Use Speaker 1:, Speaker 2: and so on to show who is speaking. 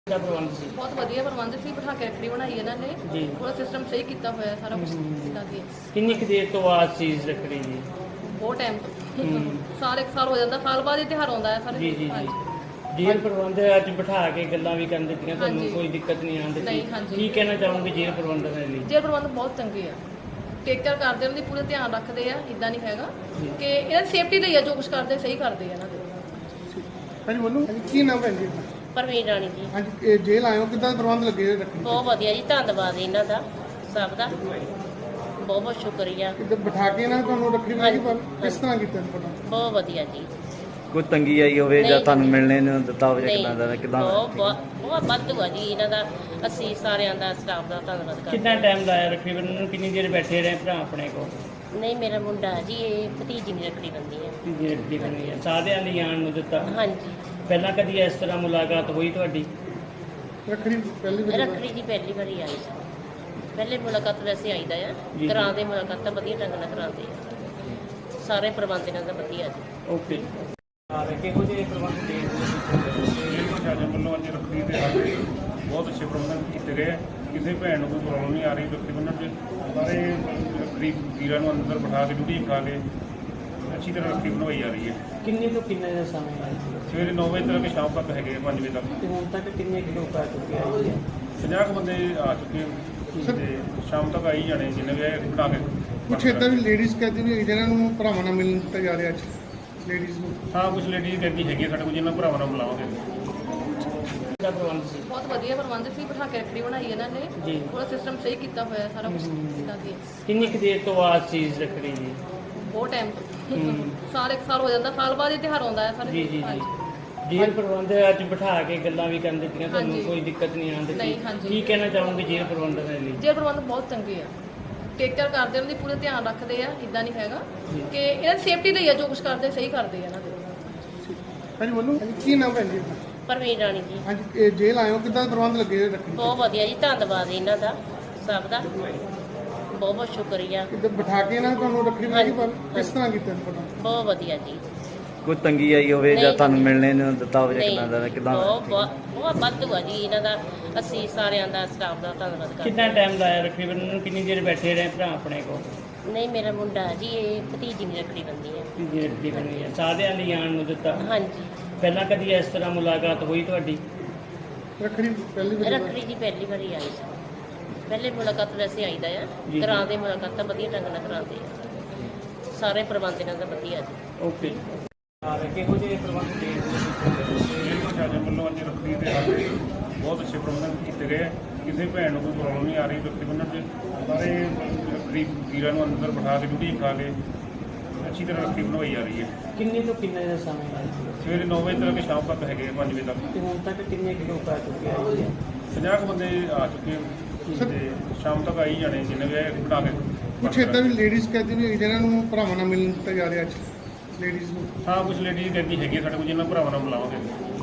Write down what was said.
Speaker 1: ਦਾ ਪ੍ਰਬੰਧ ਸੀ।
Speaker 2: ਬਹੁਤ ਵਧੀਆ ਪ੍ਰਬੰਧ ਸੀ, ਬਿਠਾ ਕੇ ਰੱਖੜੀ ਬਣਾਈ ਇਹਨਾਂ ਨੇ
Speaker 1: ਜੀ।
Speaker 2: ਪੂਰਾ ਸਿਸਟਮ ਸਹੀ ਕੀਤਾ ਹੋਇਆ ਸਾਰਾ ਕੁਝ ਇਦਾਂ ਦੀ।
Speaker 1: ਕਿੰਨੀ ਕੁ ਦੇਰ ਤੋਂ ਬਾਅਦ ਚੀਜ਼ ਰੱਖੜੀ ਜੀ?
Speaker 2: ਬਹੁਤ ਟਾਈਮ ਤੋਂ ਸਾਲ ਇੱਕ ਸਾਲ ਹੋ ਜਾਂਦਾ, ਸਾਲ ਬਾਅਦ ਇਹ ਤਿਉਹਾਰ ਆਉਂਦਾ ਹੈ ਸਾਰੇ।
Speaker 1: ਜੀ ਜੀ
Speaker 2: ਹਾਂਜੀ।
Speaker 1: ਜੀ ਜੇਲ੍ਹ ਪ੍ਰਬੰਧ ਅੱਜ ਬਿਠਾ ਕੇ ਗੱਲਾਂ ਵੀ ਕਰਨ ਦਿੱਤੀਆਂ, ਤੁਹਾਨੂੰ
Speaker 2: ਹਾਂਜੀ।
Speaker 1: ਕੋਈ ਦਿੱਕਤ ਨਹੀਂ ਆਉਣ ਦਿੱਤੀ?
Speaker 2: ਨਹੀਂ, ਹਾਂਜੀ।
Speaker 1: ਕੀ ਕਹਿਣਾ ਚਾਹੋਗੇ ਜੇਲ੍ਹ ਪ੍ਰਬੰਧਨ ਦੇ ਲਈ?
Speaker 2: ਜੇਲ੍ਹ ਪ੍ਰਬੰਧ ਬਹੁਤ ਚੰਗੇ ਆ, ਟੇਕ ਕੇਅਰ ਕਰਦੇ ਉਹਨਾਂ ਦੀ, ਪੂਰੇ ਧਿਆਨ ਰੱਖਦੇ ਆ। ਇਦਾਂ ਨਹੀਂ ਹੈਗਾ ਕਿ ਇਹਨਾਂ ਦੀ ਸੇਫਟੀ ਲਈ ਆ, ਜੋ ਕੁਝ ਕਰਦੇ ਸਹੀ ਕਰਦੇ ਆ ਇਹਨਾਂ ਦੇ।
Speaker 3: ਹਾਂਜੀ ਬੋਲੋ, ਕੀ ਨਾਮ ਹੈ ਜੀ?
Speaker 4: ਪਰਵੀਨ ਰਾਣੀ ਜੀ।
Speaker 3: ਹਾਂਜੀ, ਇਹ ਜੇਲ੍ਹ ਆਇਓ, ਕਿੱਦਾਂ ਪ੍ਰਬੰਧ ਲੱਗੇ ਹੋਏ ਰੱਖੜੀ?
Speaker 4: ਬਹੁਤ ਵਧੀਆ ਜੀ, ਧੰਨਵਾਦ ਇਹਨਾਂ ਦਾ ਸਭ ਦਾ, ਬਹੁਤ ਬਹੁਤ ਸ਼ੁਕਰੀਆ।
Speaker 3: ਕਿੱਦਾਂ ਬਿਠਾ ਕੇ ਨਾ ਤੁਹਾਨੂੰ ਰੱਖੜੀ ਬਣਾਈ, ਪਰ ਕਿਸ ਤਰ੍ਹਾਂ ਕੀਤਾ ਪਤਾ?
Speaker 4: ਬਹੁਤ ਵਧੀਆ ਜੀ।
Speaker 5: ਕੋਈ ਤੰਗੀ ਆਈ ਹੋਵੇ ਜਾਂ
Speaker 4: ਨਹੀਂ।
Speaker 5: ਤੁਹਾਨੂੰ ਮਿਲਣੇ ਨੂੰ ਦਿੱਤਾ ਹੋਵੇ ਜਾਂ
Speaker 4: ਨਹੀਂ,
Speaker 5: ਕਿੱਦਾਂ ਦਾ ਕਿੱਦਾਂ?
Speaker 4: ਬਹੁਤ ਵਾਧੂ ਆ ਜੀ ਇਹਨਾਂ ਦਾ। ਅਸੀਂ ਸਾਰਿਆਂ ਦਾ ਸਟਾਫ ਦਾ ਧੰਨਵਾਦ ਕਰਦੇ
Speaker 1: ਕਿੰਨਾ ਟਾਈਮ ਲਾਇਆ ਰੱਖੜੀ ਬੰਨ੍ਹਣ ਨੂੰ? ਕਿੰਨੀ ਦੇਰ ਬੈਠੇ ਰਹੇ ਭਰਾ ਆਪਣੇ ਕੋਲ?
Speaker 4: ਨਹੀਂ, ਮੇਰਾ ਮੁੰਡਾ ਜੀ, ਇਹ ਭਤੀਜੀ ਦੀ ਰੱਖੜੀ ਬੰਦੀ ਹੈ।
Speaker 1: ਕਿੰਨੀ ਰੱਖੜੀ ਬੰਨੀ ਹੈ? ਸਾਰਿਆਂ ਲਈ ਆਉਣ ਨੂੰ ਦਿੱਤਾ?
Speaker 4: ਹਾਂਜੀ।
Speaker 1: ਪਹਿਲਾਂ ਕਦੀ ਇਸ ਤਰ੍ਹਾਂ ਮੁਲਾਕਾਤ ਹੋਈ ਤੁਹਾਡੀ?
Speaker 3: ਰੱਖੜੀ ਪਹਿਲੀ ਵਾਰ
Speaker 4: ਰੱਖੜੀ ਜੀ ਪਹਿਲੀ ਵਾਰੀ ਆਈ ਸੀ। ਪਹਿਲੇ ਮੁਲਾਕਾਤ ਵੈਸੇ ਆਈਦਾ ਆ,
Speaker 1: ਜੀ।
Speaker 4: ਕਰਾਉਂਦੇ ਮੁਲਾਕਾਤਾਂ ਵਧੀਆ ਢੰਗ ਨਾਲ ਕਰਾਉਂਦੇ ਆ। ਸਾਰੇ ਪ੍ਰਬੰਧ ਇਹਨਾਂ ਦਾ ਵਧੀਆ ਜੀ।
Speaker 1: ਓਕੇ। ਕਿਹੋ ਜਿਹੇ ਪ੍ਰਬੰਧ ਦੇ
Speaker 6: ਜੇਲ੍ਹ ਪ੍ਰਸ਼ਾਸਨ ਵੱਲੋਂ ਅੱਜ ਰੱਖੜੀ ਦੇ ਸਾਡੇ ਬਹੁਤ ਅੱਛੇ ਪ੍ਰਬੰਧ ਕੀਤੇ ਗਏ ਹੈ। ਕਿਸੇ ਭੈਣ ਨੂੰ ਕੋਈ ਪ੍ਰੋਬਲਮ ਨਹੀਂ ਆ ਰਹੀ ਰੱਖੜੀ ਬੰਨ੍ਹਣ 'ਚ। ਸਾਰੇ ਰੱਖੜੀ ਵੀਰਾਂ ਨੂੰ ਅੰਦਰ ਬਿਠਾ ਕੇ, ਡਿਊਟੀ ਬਿਠਾ ਕੇ ਅੱਛੀ ਤਰ੍ਹਾਂ ਰੱਖੜੀ ਬਣਵਾਈ ਜਾ ਰਹੀ ਹੈ।
Speaker 1: ਕਿੰਨੇ ਤੋਂ ਕਿੰਨੇ ਦਾ ਸਮਾਂ ਹੈ?
Speaker 6: ਸਵੇਰੇ 9 ਵਜੇ ਤੱਕ ਸ਼ਾਮ ਤੱਕ ਹੈਗੇ 5 ਵਜੇ ਤੱਕ।
Speaker 1: ਤੇ ਹੁਣ ਤੱਕ ਕਿੰਨੇ ਕੁ ਲੋਕ ਆ ਚੁੱਕੇ ਆ ਜੀ?
Speaker 6: 50 ਕੁ ਬੰਦੇ ਆ ਚੁੱਕੇ ਹਨ ਤੇ ਸ਼ਾਮ ਤੱਕ ਆਈ ਜਾਣੇ ਜਿੰਨੇ ਵੀ ਆਏ ਬਿਠਾ ਕੇ।
Speaker 3: ਕੁਛ ਇਦਾਂ ਵੀ ਲੇਡੀਜ਼ ਕਹਿੰਦੀ ਵੀ ਜਿਹਨਾਂ ਨੂੰ ਭਰਾਵਾਂ ਨਾਲ ਮਿਲਣ ਦਿੱਤਾ ਜਾ ਰਿਹਾ ਅੱਜ ਲੇਡੀਜ਼ ਨੂੰ।
Speaker 6: ਹਾਂ, ਕੁਝ ਲੇਡੀਜ਼ ਕਹਿੰਦੀ ਹੈਗੀ ਸਾਡੇ ਕੋਲ, ਜਿਹਨਾਂ ਭਰਾਵਾਂ ਨਾਲ ਮਿਲਾਵਾਂਗੇ।
Speaker 1: ਦਾ ਪ੍ਰਬੰਧ ਸੀ।
Speaker 2: ਬਹੁਤ ਵਧੀਆ ਪ੍ਰਬੰਧ ਸੀ, ਬਿਠਾ ਕੇ ਰੱਖੜੀ ਬਣਾਈ ਇਹਨਾਂ ਨੇ
Speaker 1: ਜੀ।
Speaker 2: ਪੂਰਾ ਸਿਸਟਮ ਸਹੀ ਕੀਤਾ ਹੋਇਆ ਸਾਰਾ ਕੁਝ ਇਦਾਂ ਦੀ।
Speaker 1: ਕਿੰਨੀ ਕੁ ਦੇਰ ਤੋਂ ਬਾਅਦ ਚੀਜ਼ ਰੱਖੜੀ ਜੀ?
Speaker 2: ਬਹੁਤ ਟਾਈਮ ਤੋਂ ਸਾਲ ਇੱਕ ਸਾਲ ਹੋ ਜਾਂਦਾ, ਸਾਲ ਬਾਅਦ ਇਹ ਤਿਉਹਾਰ ਆਉਂਦਾ ਹੈ ਸਾਰੇ।
Speaker 1: ਜੀ ਜੀ ਜੀ
Speaker 2: ਹਾਂਜੀ।
Speaker 1: ਜੇਲ੍ਹ ਪ੍ਰਬੰਧ ਅੱਜ ਬਿਠਾ ਕੇ ਗੱਲਾਂ ਵੀ ਕਰਨ ਦਿੱਤੀਆਂ, ਤੁਹਾਨੂੰ
Speaker 2: ਹਾਂਜੀ।
Speaker 1: ਕੋਈ ਦਿੱਕਤ ਨਹੀਂ ਆਉਣ ਦਿੱਤੀ?
Speaker 2: ਨਹੀਂ, ਹਾਂਜੀ।
Speaker 1: ਕੀ ਕਹਿਣਾ ਚਾਹੋਗੇ ਜੇਲ੍ਹ ਪ੍ਰਬੰਧਨ ਦੇ ਲਈ?
Speaker 2: ਜੇਲ੍ਹ ਪ੍ਰਬੰਧ ਬਹੁਤ ਚੰਗੇ ਆ, ਟੇਕ ਕੇਅਰ ਕਰਦੇ ਉਹਨਾਂ ਦੀ, ਪੂਰੇ ਧਿਆਨ ਰੱਖਦੇ ਆ। ਇਦਾਂ ਨਹੀਂ ਹੈਗਾ ਕਿ ਇਹਨਾਂ ਦੀ ਸੇਫਟੀ ਲਈ ਆ, ਜੋ ਕੁਝ ਕਰਦੇ ਸਹੀ ਕਰਦੇ ਆ ਇਹਨਾਂ ਦੇ।
Speaker 3: ਹਾਂਜੀ ਬੋਲੋ, ਕੀ ਨਾਮ ਹੈ ਜੀ?
Speaker 4: ਪਰਵੀਨ ਰਾਣੀ ਜੀ।
Speaker 3: ਹਾਂਜੀ, ਇਹ ਜੇਲ੍ਹ ਆਇਓ, ਕਿੱਦਾਂ ਪ੍ਰਬੰਧ ਲੱਗੇ ਹੋਏ ਰੱਖੜੀ?
Speaker 4: ਬਹੁਤ ਵਧੀਆ ਜੀ, ਧੰਨਵਾਦ ਇਹਨਾਂ ਦਾ ਸਭ ਦਾ, ਬਹੁਤ ਬਹੁਤ ਸ਼ੁਕਰੀਆ।
Speaker 3: ਕਿੱਦਾਂ ਬਿਠਾ ਕੇ ਨਾ ਤੁਹਾਨੂੰ ਰੱਖੜੀ ਬਣਾਈ, ਪਰ ਕਿਸ ਤਰ੍ਹਾਂ ਕੀਤਾ ਪਤਾ?
Speaker 4: ਬਹੁਤ ਵਧੀਆ ਜੀ।
Speaker 5: ਕੋਈ ਤੰਗੀ ਆਈ ਹੋਵੇ ਜਾਂ
Speaker 4: ਨਹੀਂ।
Speaker 5: ਤੁਹਾਨੂੰ ਮਿਲਣੇ ਨੂੰ ਦਿੱਤਾ ਹੋਵੇ ਜਾਂ
Speaker 4: ਨਹੀਂ,
Speaker 5: ਕਿੱਦਾਂ ਦਾ ਕਿੱਦਾਂ?
Speaker 4: ਬਹੁਤ ਵਾਧੂ ਆ ਜੀ ਇਹਨਾਂ ਦਾ। ਅਸੀਂ ਸਾਰਿਆਂ ਦਾ ਸਟਾਫ ਦਾ ਧੰਨਵਾਦ ਕਰਦੇ
Speaker 1: ਕਿੰਨਾ ਟਾਈਮ ਲਾਇਆ ਰੱਖੜੀ ਬੰਨ੍ਹਣ ਨੂੰ? ਕਿੰਨੀ ਦੇਰ ਬੈਠੇ ਰਹੇ ਭਰਾ ਆਪਣੇ ਕੋਲ?
Speaker 4: ਨਹੀਂ, ਮੇਰਾ ਮੁੰਡਾ ਜੀ, ਇਹ ਭਤੀਜੀ ਦੀ ਰੱਖੜੀ ਬੰਦੀ ਹੈ।
Speaker 1: ਕਿੰਨੀ ਰੱਖੜੀ ਬੰਨੀ ਹੈ? ਸਾਰਿਆਂ ਲਈ ਆਉਣ ਨੂੰ ਦਿੱਤਾ?
Speaker 4: ਹਾਂਜੀ।
Speaker 1: ਪਹਿਲਾਂ ਕਦੀ ਇਸ ਤਰ੍ਹਾਂ ਮੁਲਾਕਾਤ ਹੋਈ ਤੁਹਾਡੀ?
Speaker 3: ਰੱਖੜੀ ਪਹਿਲੀ ਵਾਰ
Speaker 4: ਰੱਖੜੀ ਜੀ ਪਹਿਲੀ ਵਾਰੀ ਆਈ ਸੀ। ਪਹਿਲੇ ਮੁਲਾਕਾਤ ਵੈਸੇ ਆਈਦਾ ਆ,
Speaker 1: ਜੀ।
Speaker 4: ਕਰਾਉਂਦੇ ਮੁਲਾਕਾਤਾਂ ਵਧੀਆ ਢੰਗ ਨਾਲ ਕਰਾਉਂਦੇ ਆ। ਸਾਰੇ ਪ੍ਰਬੰਧ ਇਹਨਾਂ ਦਾ ਵਧੀਆ ਜੀ।
Speaker 1: ਓਕੇ। ਕਿਹੋ ਜਿਹੇ ਪ੍ਰਬੰਧ ਦੇ
Speaker 6: ਜੇਲ੍ਹ ਪ੍ਰਸ਼ਾਸਨ ਵੱਲੋਂ ਅੱਜ ਰੱਖੜੀ ਦੇ ਸਾਡੇ ਬਹੁਤ ਅੱਛੇ ਪ੍ਰਬੰਧ ਕੀਤੇ ਗਏ ਹੈ। ਕਿਸੇ ਭੈਣ ਨੂੰ ਕੋਈ ਪ੍ਰੋਬਲਮ ਨਹੀਂ ਆ ਰਹੀ ਰੱਖੜੀ ਬੰਨ੍ਹਣ 'ਚ। ਸਾਰੇ ਰੱਖੜੀ ਵੀਰਾਂ ਨੂੰ ਅੰਦਰ ਬਿਠਾ ਕੇ, ਡਿਊਟੀ ਬਿਠਾ ਕੇ ਅੱਛੀ ਤਰ੍ਹਾਂ ਰੱਖੜੀ ਬਣਵਾਈ ਜਾ ਰਹੀ ਹੈ।
Speaker 1: ਕਿੰਨੇ ਤੋਂ ਕਿੰਨੇ ਦਾ ਸਮਾਂ ਹੈ?
Speaker 6: ਸਵੇਰੇ 9 ਵਜੇ ਤੱਕ ਸ਼ਾਮ ਤੱਕ ਹੈਗੇ 5 ਵਜੇ ਤੱਕ।
Speaker 1: ਤੇ ਹੁਣ ਤੱਕ ਕਿੰਨੇ ਕੁ ਲੋਕ ਆ ਚੁੱਕੇ ਆ ਜੀ?
Speaker 6: 50 ਕੁ ਬੰਦੇ ਆ ਚੁੱਕੇ ਹਨ ਤੇ ਸ਼ਾਮ ਤੱਕ ਆਈ ਜਾਣੇ ਜਿੰਨੇ ਵੀ ਆਏ ਬਿਠਾ ਕੇ।
Speaker 3: ਕੁਛ ਇਦਾਂ ਵੀ ਲੇਡੀਜ਼ ਕਹਿੰਦੀ ਵੀ ਜਿਹਨਾਂ ਨੂੰ ਭਰਾਵਾਂ ਨਾਲ ਮਿਲਣ ਦਿੱਤਾ ਜਾ ਰਿਹਾ ਅੱਜ ਲੇਡੀਜ਼ ਨੂੰ।
Speaker 6: ਹਾਂ, ਕੁਝ ਲੇਡੀਜ਼ ਕਹਿੰਦੀ ਹੈਗੀ ਸਾਡੇ ਕੋਲ, ਜਿਹਨਾਂ ਭਰਾਵਾਂ ਨਾਲ ਮਿਲਾਵਾਂਗੇ।